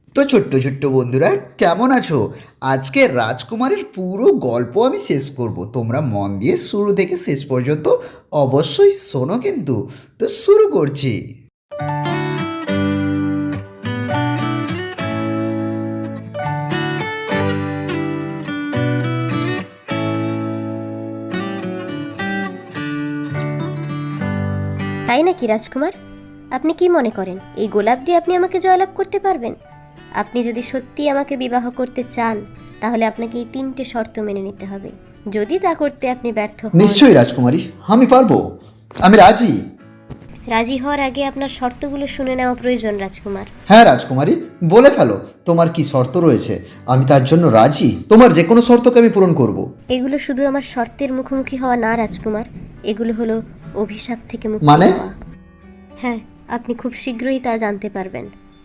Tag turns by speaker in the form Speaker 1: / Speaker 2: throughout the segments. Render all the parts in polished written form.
Speaker 1: তো ছোট্ট ছোট্ট বন্ধুরা, কেমন আছো? আজকে রাজকুমারের পুরো গল্প আমি শেষ করব, তোমরা মন দিয়ে শুরু থেকে শেষ পর্যন্ত অবশ্যই শোনো কিন্তু। তো শুরু করছি।
Speaker 2: তাই নাকি রাজকুমার? আপনি কি মনে করেন এই গোলাপ দিয়ে আপনি আমাকে জয়লাভ করতে পারবেন? আপনি যদি সত্যি আমাকে বিবাহ করতে চান তাহলে আপনাকে এই 3টে শর্ত মেনে নিতে হবে। যদি তা করতে আপনি ব্যর্থ হন,
Speaker 1: নিশ্চয়ই রাজকুমারী, আমি পারবো, আমি রাজি।
Speaker 2: রাজি হওয়ার আগে আপনার শর্তগুলো শুনে নেওয়া প্রয়োজন রাজকুমার।
Speaker 1: হ্যাঁ রাজকুমারী, বলে ফেলো তোমার কি শর্ত রয়েছে। আমি তার জন্য রাজি, তোমার যে কোনো শর্তকে আমি পূরণ করব।
Speaker 2: এগুলো শুধু আমার শর্তের মুখোমুখি হওয়া না রাজকুমার, এগুলো হলো অভিশাপ থেকে মুক্তি
Speaker 1: মানে?
Speaker 2: পাওয়া। হ্যাঁ, আপনি খুব শীঘ্রই তা জানতে পারবেন।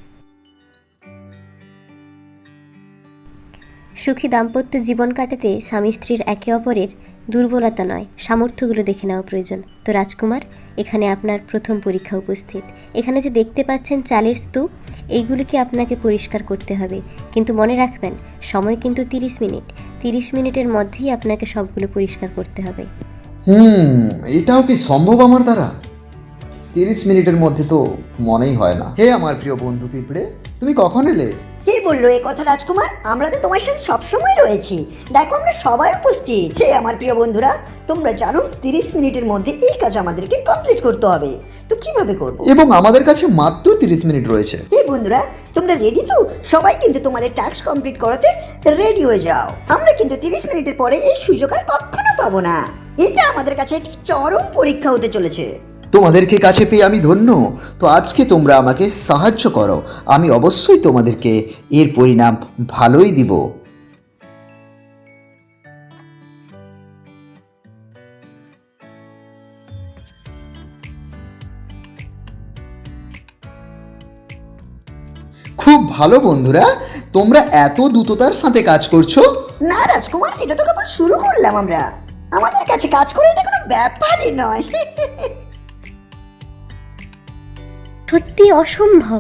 Speaker 2: সুখী দাম্পত্য জীবন কাটাতে স্বামী স্ত্রীর একে অপরের দুর্বলতা নয়, সামর্থ্যগুলো দেখে নেওয়া প্রয়োজন। তো রাজকুমার, এখানে আপনার প্রথম পরীক্ষা উপস্থিত। এখানে যে দেখতে পাচ্ছেন চালের স্তূপ, এইগুলিকে আপনাকে পরিষ্কার করতে হবে, কিন্তু মনে রাখবেন সময় কিন্তু 30 মিনিট। 30 মিনিটের মধ্যেই আপনাকে সবগুলো পরিষ্কার করতে হবে।
Speaker 1: এটাও কি সম্ভব আমার দ্বারা? 30 মিনিটের মধ্যে তো মনেই হয় না। হে আমার প্রিয় বন্ধু পিঁপড়ে, তুমি কখন এলে?
Speaker 3: কে বললো এ কথা রাজকুমার? আমরা তো তোমার সাথে সবসময় রয়েছি। দেখো আমরা সবাই উপস্থিত। হে আমার প্রিয় বন্ধুরা, তোমরা জানো 30 মিনিটের মধ্যে এই কাজ আমাদেরকে কমপ্লিট করতে হবে। তো কিভাবে করব?
Speaker 1: এবং আমাদের কাছে মাত্র 30 মিনিট রয়েছে।
Speaker 3: হে বন্ধুরা, তোমরা রেডি তো? সবাই কিন্তু তোমাদের টাস্ক কমপ্লিট করাতে রেডি হয়ে যাও। আমরা কিন্তু 30 মিনিটের পরে এই সুযোগ আর কখনো পাবো না। এটা আমাদের কাছে একটি চরম পরীক্ষা হতে চলেছে।
Speaker 1: তোমাদেরকে কাছে পেয়ে আমি ধন্য। তো আজকে তোমরা আমাকে সাহায্য করো, আমি অবশ্যই তোমাদেরকে এর পরিণাম ভালোই দিব। খুব ভালো বন্ধুরা, তোমরা এত দ্রুততার সাথে কাজ করছো।
Speaker 3: না রাজকুমার, এটা তো কেবল শুরু করলাম আমরা। আমাদের কাছে কাজ করে এটা কোনো ব্যাপারই নয়।
Speaker 2: সত্যি অসম্ভব।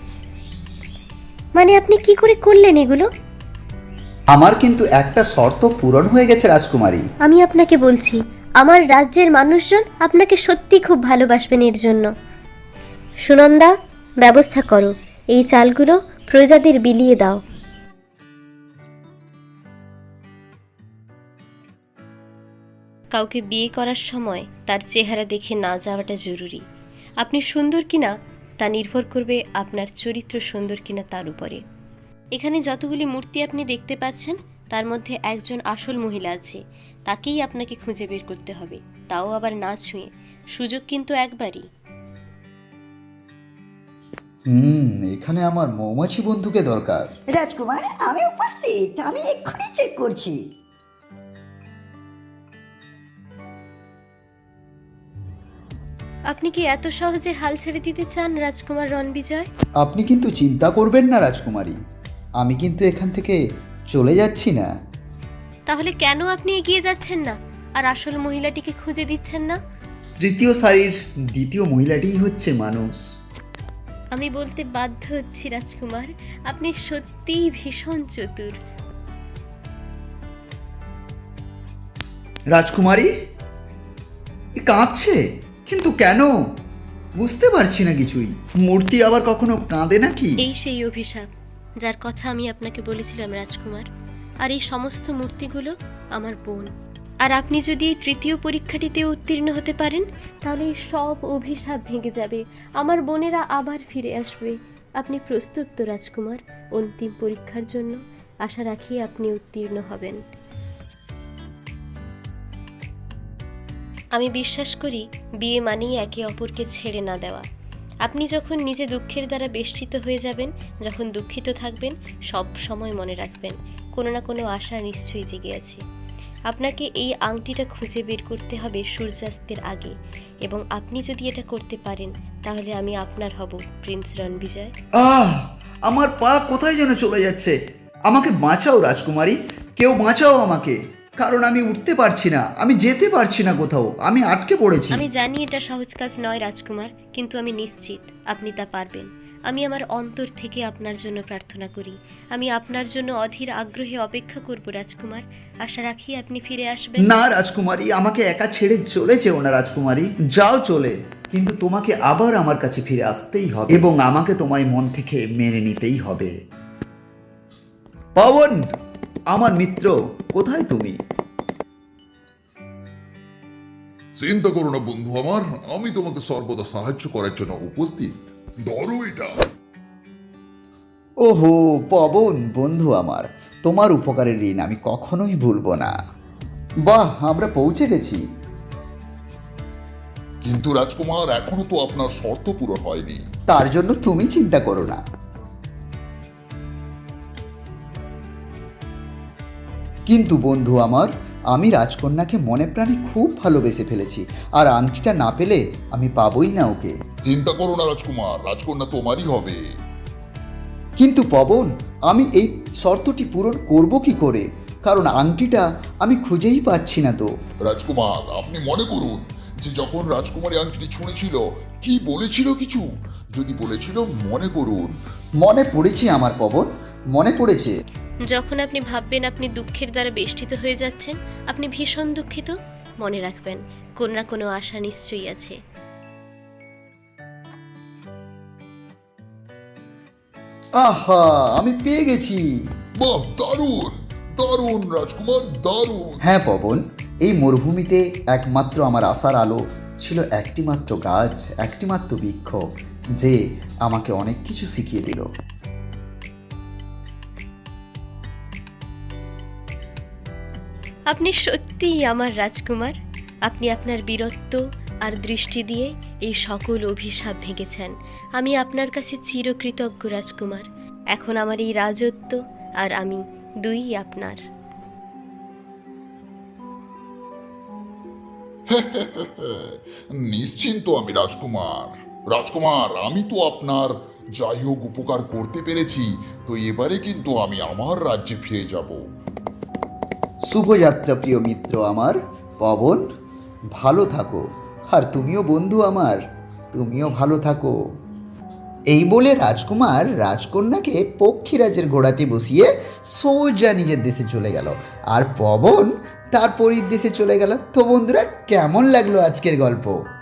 Speaker 2: মানে আপনি কি করে করলেন এগুলো?
Speaker 1: আমার কিন্তু একটা শর্ত পূরণ হয়ে গেছে রাজকুমারী।
Speaker 2: আমি আপনাকে বলছি, আমার রাজ্যের মানুষজন আপনাকে সত্যি খুব ভালোবাসবেন এর জন্য। সুনন্দা, ব্যবস্থা করো, এই চালগুলো প্রজাদের বিলিয়ে দাও। কাউকে বিয়ে করার সময় তার চেহারা দেখে না যাওয়াটা জরুরি। আপনি সুন্দর কিনা তা নির্ভর করবে আপনার চরিত্র সুন্দর কিনা তার উপরে। এখানে যতগুলি মূর্তি আপনি দেখতে পাচ্ছেন তার মধ্যে একজন আসল মহিলা আছে, তাকেই আপনাকে খুঁজে বের করতে হবে, তাও আবার না ছুঁয়ে। সুযোগ কিন্তু একবারই।
Speaker 1: এখানে আমার মৌমাছি বন্ধুকে দরকার।
Speaker 3: রাজকুমার, আমি উপস্থিত। আমি এক্ষুনি চেক করছি।
Speaker 2: আপনি কি এত সহজে হাল ছেড়ে দিতে চান রাজকুমার রণবিজয়?
Speaker 1: আপনি কিন্তু চিন্তা করবেন না রাজকুমারী, আমি কিন্তু এখান থেকে চলে যাচ্ছি না।
Speaker 2: তাহলে কেন আপনি এগিয়ে যাচ্ছেন না আর আসল মহিলাটিকে খুঁজে দিচ্ছেন না?
Speaker 1: তৃতীয় সারির দ্বিতীয় মহিলাটিই হচ্ছে মানুষ।
Speaker 2: আমি বলতে বাধ্য হচ্ছি রাজকুমার, আপনি সত্যিই ভীষণ চতুর।
Speaker 1: রাজকুমারী কাঁদছে, কিন্তু কেন বুঝতে পারছি না কিছুই। মূর্তি আবার কখনো কাঁদে নাকি?
Speaker 2: এই সেই অভিশাপ যার কথা আমি আপনাকে বলেছিলাম রাজকুমার। আর এই সমস্ত মূর্তিগুলো আমার বোন। আর আপনি যদি এই তৃতীয় পরীক্ষাটিতে উত্তীর্ণ হতে পারেন তাহলে এই সব অভিশাপ ভেঙে যাবে, আমার বোনেরা আবার ফিরে আসবে। আপনি প্রস্তুত তো রাজকুমার অন্তিম পরীক্ষার জন্য? আশা রাখি আপনি উত্তীর্ণ হবেন। আমি বিশ্বাস করি বিয়ে মানেই একে অপরকে ছেড়ে না দেওয়া। আপনি যখন নিজে দুঃখের দ্বারা বেষ্টিত হয়ে যাবেন, যখন দুঃখিত থাকবেন, সব সময় মনে রাখবেন কোনো না কোনো আশা নিশ্চয়ই জেগে আছে। আপনাকে এই আংটিটা খুঁজে বের করতে হবে সূর্যাস্তের আগে, এবং আপনি যদি এটা করতে পারেন তাহলে আমি আপনার হব প্রিন্স রণবিজয়।
Speaker 1: আমার পা কোথায় যেন চলে যাচ্ছে। আমাকে বাঁচাও রাজকুমারী, কেউ বাঁচাও আমাকে, কারণ আমি উঠতে পারছি না, আমি যেতে পারছি না কোথাও, আমি আটকে পড়েছি।
Speaker 2: আমি জানি এটা সহজ কাজ নয় রাজকুমার, কিন্তু আমি নিশ্চিত আপনি তা পারবেন। আমি আমার অন্তর থেকে আপনার জন্য প্রার্থনা করি। আমি আপনার জন্য অধীর আগ্রহে অপেক্ষা করব রাজকুমার। আশা রাখি আপনি ফিরে আসবেন।
Speaker 1: না রাজকুমারী, আমাকে একা ছেড়ে চলে যেও না রাজকুমারী, যাও চলে, কিন্তু তোমাকে আবার আমার কাছে ফিরে আসতেই হবে এবং আমাকে তোমায় মন থেকে মেনে নিতেই হবে। পবন, আমার মিত্র, কোথায় তুমি?
Speaker 4: চিন্তা করো না বন্ধু আমার, আমি তোমাকে সর্বদা সাহায্য করার জন্য উপস্থিত। ধরো এটা।
Speaker 1: ওহো পবন বন্ধু আমার, তোমার উপকারের ঋণ আমি কখনোই ভুলবো না। বাহ, আমরা পৌঁছে গেছি।
Speaker 4: কিন্তু রাজকুমার, এখনো তো আপনার শর্ত পূরণ হয়নি।
Speaker 1: তার জন্য তুমি চিন্তা করো না। কিন্তু বন্ধু আমার, আমি রাজকন্যাকে মনে প্রাণে খুব ভালোবেসে ফেলেছি, আর আংটিটা না পেলে আমি পাবোই না ওকে।
Speaker 4: চিন্তা করো না রাজকুমার, রাজকন্যা তোমারই হবে।
Speaker 1: কিন্তু পবন, আমি এই শর্তটি পূরণ করব কি করে? কারণ আংটিটা আমি খুঁজেই পাচ্ছি না তো।
Speaker 4: রাজকুমার, আপনি মনে করুন যে যখন রাজকুমারী আংটিটি ছুঁড়েছিল কি বলেছিল কিছু? যদি বলেছিল মনে করুন।
Speaker 1: মনে পড়েছে আমার পবন, মনে পড়েছে।
Speaker 2: যখন আপনি ভাববেন আপনি দুঃখের দ্বারা বেষ্টিত হয়ে যাচ্ছেন, আপনি ভীষণ দুঃখিত, মনে রাখবেন কোনো না কোনো আশা নিশ্চয়ই আছে।
Speaker 1: আহা, আমি পেয়ে গেছি।
Speaker 4: বাহ, দারুণ দারুণ রাজকুমার, দারুণ।
Speaker 1: হ্যাঁ পবন, এই মরুভূমিতে একমাত্র আমার আশার আলো ছিল একটি মাত্র গাছ, একটি মাত্র বৃক্ষ, যে আমাকে অনেক কিছু শিখিয়ে দিল।
Speaker 2: আপনি সত্যিই আমার রাজকুমার। আপনি আপনার বীরত্ব আর দৃষ্টি দিয়ে এই সকল অভিশাপ ভেঙেছেন। আমি আপনার কাছে চিরকৃতজ্ঞ রাজকুমার। এখন আমার এই রাজত্ব আর আমি দুই আপনার।
Speaker 4: নিশ্চিন্ত আমি রাজকুমার। রাজকুমার, আমি তো আপনার যাই হোক উপকার করতে পেরেছি, তো এবারে কিন্তু আমি আমার রাজ্যে ফিরে যাব।
Speaker 1: শুভযাত্রা প্রিয় মিত্র আমার পবন, ভালো থাকো। আর তুমিও বন্ধু আমার, তুমিও ভালো থাকো। এই বলে রাজকুমার রাজকন্যাকে পক্ষীরাজের ঘোড়াতে বসিয়ে সোজা নিজের দেশে চলে গেল, আর পবন তার পরীর দেশে চলে গেল। তো বন্ধুরা, কেমন লাগলো আজকের গল্প?